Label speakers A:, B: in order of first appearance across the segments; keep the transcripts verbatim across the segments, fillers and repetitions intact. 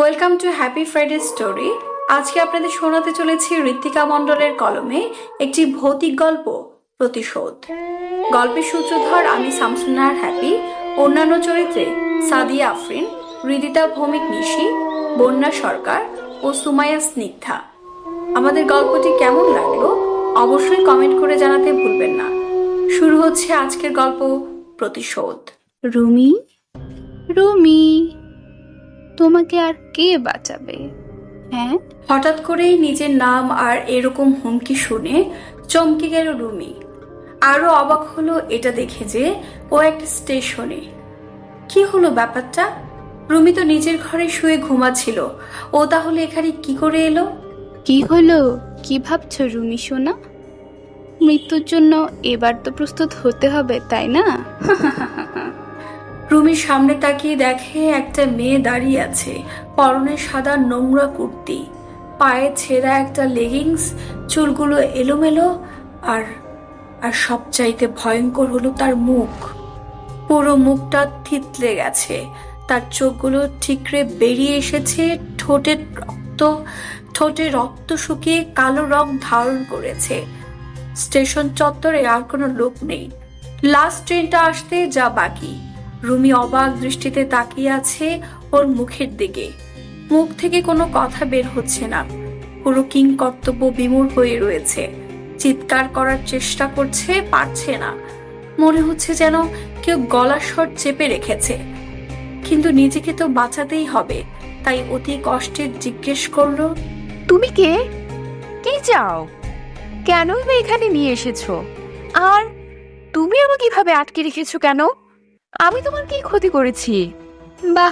A: Welcome to happy Friday story. আজকে আপনাদের শোনাতে চলেছি ঋত্বিকা মণ্ডলের কলমে একটি ভৌতিক গল্প, প্রতিশোধ। গল্পের সূত্রধর আমি শামসুন্নাহার হ্যাপি, অন্যান্য চরিত্রে সাদিয়া আফরিন, হৃদিতা ভৌমিক নিশি, বন্যা সরকার ও সুমাইয়া স্নিগ্ধা। আমাদের গল্পটি কেমন লাগলো অবশ্যই কমেন্ট করে জানাতে ভুলবেন না। শুরু হচ্ছে আজকের গল্প, প্রতিশোধ।
B: রুমি, রুমি, তোমাকে আর কে বাঁচাবে? হ্যাঁ,
A: হঠাৎ করেই নিজের নাম আর এরকম হুমকি শুনে চমকে গেল রুমি। আরো অবাক হলো এটা দেখে যে ও একটা স্টেশনে। কি হলো ব্যাপারটা? রুমি তো নিজের ঘরে শুয়ে ঘুমাচ্ছিল, ও তাহলে এখানে কি করে এলো?
B: কি হলো? কি ভাবছো রুমি সোনা? মৃত্যুর জন্য এবার তো প্রস্তুত হতে হবে, তাই না?
A: রুমির সামনে তাকিয়ে দেখে একটা মেয়ে দাঁড়িয়ে আছে, পরনে সাদা নোংরা কুর্তি, পায়ে ছেঁড়া একটা লেগিংস, চুলগুলো এলোমেলো, আর আর সবচাইতে ভয়ঙ্কর হলো তার মুখ। পুরো মুখটা থিতলে গেছে, তার চোখগুলো ঠিকরে বেরিয়ে এসেছে, ঠোঁটে রক্ত ঠোঁটে রক্ত শুকিয়ে কালো রং ধারণ করেছে। স্টেশন চত্বরে আর কোনো লোক নেই, লাস্ট ট্রেনটা আসতে যা বাকি। রুমি অবাক দৃষ্টিতে তাকিয়ে আছে ওর মুখের দিকে। মুখ থেকে কোনো কথা বের হচ্ছে না, পুরো কিং কর্তব্য বিমূঢ় হয়ে রয়েছে। চিৎকার করার চেষ্টা করছে, পারছে না। মনে হচ্ছে যেন কেউ গলার স্বর চেপে রেখেছে, কিন্তু নিজেকে তো বাঁচাতেই হবে, তাই অতি কষ্টে জিজ্ঞেস করলো,
C: তুমি কে? কি চাও? কেনই বা এখানে নিয়ে এসেছো? আর তুমি আমাকে কিভাবে আটকে রেখেছো কেন? আমি তোমার কি ক্ষতি করেছি?
B: বাহ,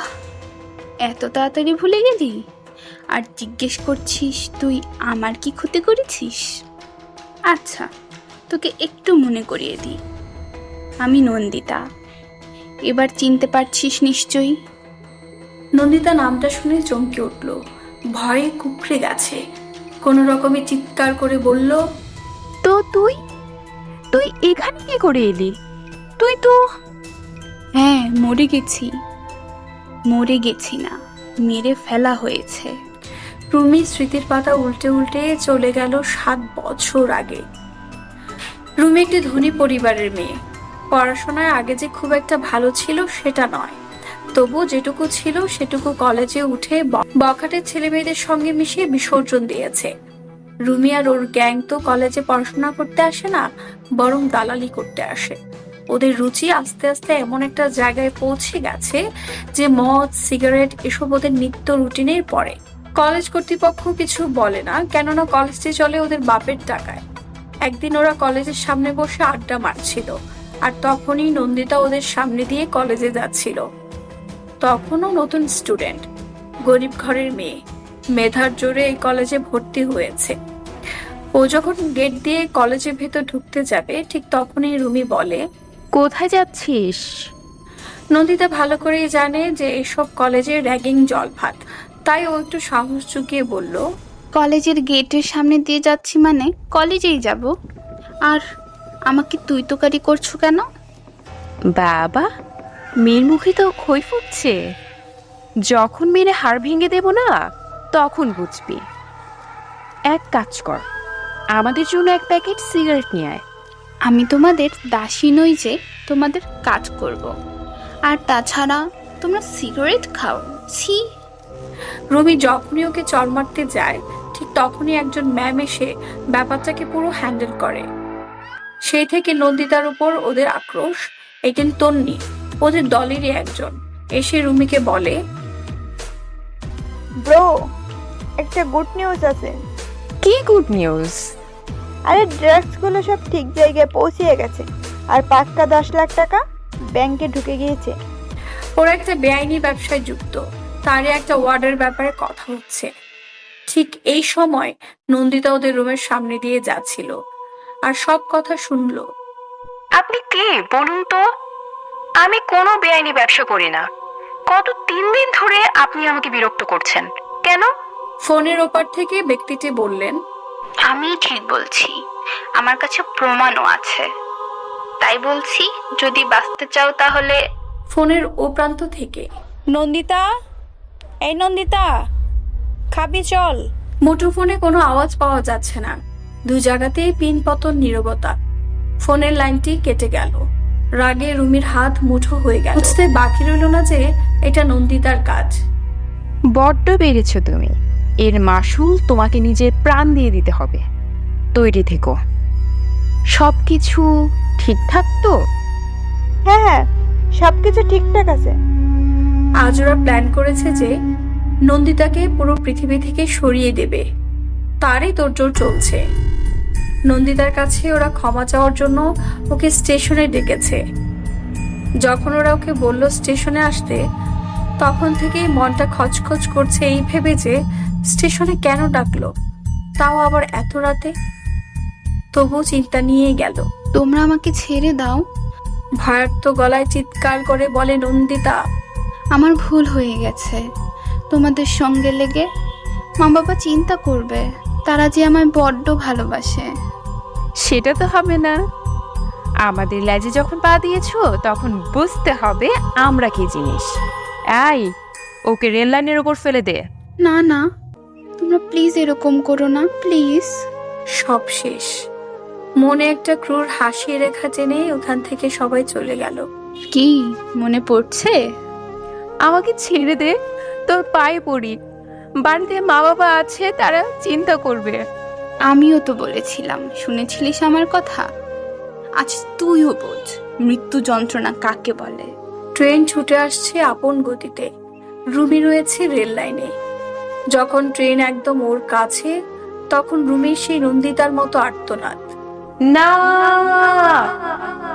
B: এত তাড়াতাড়ি ভুলে গেলি? আর জিজ্ঞেস করছিস তুই আমার কি ক্ষতি করেছিস? আচ্ছা, তোকে একটু মনে করিয়ে দিই, আমি নন্দিতা। এবার চিনতে পারছিস নিশ্চয়ই?
A: নন্দিতা নামটা শুনে চমকে উঠল, ভয়ে কুকড়ে গেছে। কোনো রকমে চিৎকার করে বলল,
C: তো তুই তুই এখানে কি করে এলি? তুই তো
B: হ্যাঁ, মরে গেছি। মরে গেছি না, মেরে ফেলা হয়েছে।
A: রুমি স্মৃতির পাতা উল্টে উল্টে চলে গেল সাত বছর আগে। রুমি একটি ধনী পরিবারের মেয়ে। পড়াশোনায় আগে যে খুব একটা ভালো ছিল সেটা নয়, তবু যেটুকু ছিল সেটুকু কলেজে উঠে বখাটের ছেলে মেয়েদের সঙ্গে মিশিয়ে বিসর্জন দিয়েছে। রুমি আর ওর গ্যাং তো কলেজে পড়াশোনা করতে আসে না, বরং দালালি করতে আসে। ওদের রুচি আস্তে আস্তে এমন একটা জায়গায় পৌঁছে গেছে যে মদ, সিগারেট এসব ওদের নিত্য রুটিনের পরে। কলেজ কর্তৃপক্ষ কিছু বলে না, কেননা কলেজটি চলে ওদের বাপের টাকায়। একদিন ওরা কলেজের সামনে বসে আড্ডা মারছিল, আর তখনই নন্দিতা ওদের সামনে দিয়ে কলেজে যাচ্ছিল। তখনও নতুন স্টুডেন্ট, গরিব ঘরের মেয়ে, মেধার জোরে এই কলেজে ভর্তি হয়েছে। ও যখন গেট দিয়ে কলেজের ভেতর ঢুকতে যাবে, ঠিক তখনই রুমি বলে,
C: কোথায় যাচ্ছিস?
A: নন্দিতা ভালো করেই জানে যে এসব কলেজের র্যাগিং জলভাত, তাই ও একটু সাহস চুকিয়ে বলল,
B: কলেজের গেটের সামনে দিয়ে যাচ্ছি মানে কলেজেই যাব। আর আমাকে তুই তোকারি করছো কেন?
C: বাবা, মেয়ের মুখে তো খই ফুটছে। যখন মেরে হাড় ভেঙে দেব না, তখন বুঝবি। এক কাজ কর, আমাদের জন্য এক প্যাকেট সিগারেট নিয়ে আয়।
B: আমি তোমাদের দাসী নই যে তোমাদের কাজ করব। আর তাছাড়া তোমরা সিগারেট খাও, ছি।
A: রুমি যখনই ওকে চড় মারতে যায়, ঠিক তখনই একজন ম্যাম এসে ব্যাপারটাকে পুরো হ্যান্ডেল করে। সেই থেকে নন্দিতার উপর ওদের আক্রোশ। একদিন তন্নি, ওদের দলেরই একজন, এসে রুমিকে বলে,
D: ব্রো, একটা গুড নিউজ আছে।
C: কি গুড নিউজ?
D: আরে ড্রাগস গুলো সব ঠিক জায়গায় পৌঁছিয়ে গেছে, আর পাক্কা দশ লাখ টাকা ব্যাংকে ঢুকে গিয়েছে।
A: ওরা একটা বেআইনি ব্যবসায় যুক্ত, তারই একটা ওয়ার্ডের ব্যাপারে কথা হচ্ছে। ঠিক এই সময় নন্দিতা ওদের রুমের সামনে দিয়ে যাচ্ছিল, আর সব কথা শুনলো।
C: আপনি কে বলুন তো? আমি কোনো বেআইনি ব্যবসা করি না। গত তিন দিন ধরে আপনি আমাকে বিরক্ত করছেন কেন?
A: ফোনের ওপার থেকে ব্যক্তিটি বললেন,
B: আমি ঠিক বলছি, আমার কাছে প্রমাণও আছে। তাই বলছি, যদি বাঁচতে চাও তাহলে।
A: ফোনের ও প্রান্ত থেকে,
D: নন্দিতা,
E: এই নন্দিতা, খাবি চল।
A: মুঠোফোনে কোনো আওয়াজ পাওয়া যাচ্ছে না, দুই জায়গাতেই পিন পতন নীরবতা। ফোনের লাইনটি কেটে গেল। রাগে রুমির হাত মুঠো হয়ে গেল। বুঝতে বাকি রইল না যে এটা নন্দিতার কাজ।
C: বড্ড বেড়েছ তুমি, এর মাসুল তোমাকে নিজের প্রাণ দিয়ে দিতে হবে। তৈরি থেকো। সব কিছু ঠিকঠাক তো?
D: হ্যাঁ হ্যাঁ, সব কিছু ঠিকঠাক আছে।
A: আজ ওরা প্ল্যান করেছে যে নন্দিতাকে পুরো পৃথিবী থেকে সরিয়ে দেবে, তারই তোড়জোড় চলছে। নন্দিতার কাছে ওরা ক্ষমা চাওয়ার জন্য ওকে স্টেশনে ডেকেছে। যখন ওরা ওকে বলল স্টেশনে আসতে, তখন থেকেই মনটা খচখচ করছে এই ভেবে যে স্টেশনে কেন ডাকলো, তাও আবার এত রাতে। তবু চিন্তা নিয়েই গেল।
B: তোমরা আমাকে ছেড়ে দাও।
A: ভয়ার্ত গলায় চিৎকার করে বলে নন্দিতা।
B: আমার ভুল হয়ে গেছে তোমাদের সঙ্গে লেগে। মা বাবা চিন্তা করবে, তারা যে আমায় বড্ড ভালোবাসে।
C: সেটা তো হবে না। আমাদের লেজে যখন পা দিয়েছো তখন বুঝতে হবে আমরা কি জিনিস। এই, ওকে রেল লাইনের ওপর ফেলে দে।
B: না না, তোমরা প্লিজ এরকম করো না, প্লিজ।
A: সব শেষ। মনে একটা ক্রূর হাসি রেখা টেনে ওখান থেকে সবাই চলে গেল।
B: কি মনে পড়ছে?
C: আমাকে ছেড়ে দে, তোর পায়ে পড়ি। বাড়িতে মা বাবা আছে, তারা চিন্তা করবে।
B: আমিও তো বলেছিলাম, শুনেছিলিস আমার কথা? আজ তুইও বোঝ মৃত্যু যন্ত্রণা কাকে বলে।
A: ট্রেন ছুটে আসছে আপন গতিতে। রুমি রয়েছে রেল লাইনে। যখন ট্রেন একদম ওর কাছে, তখন রুমির সেই নন্দিতার মতো আর্তনাদ।
C: না,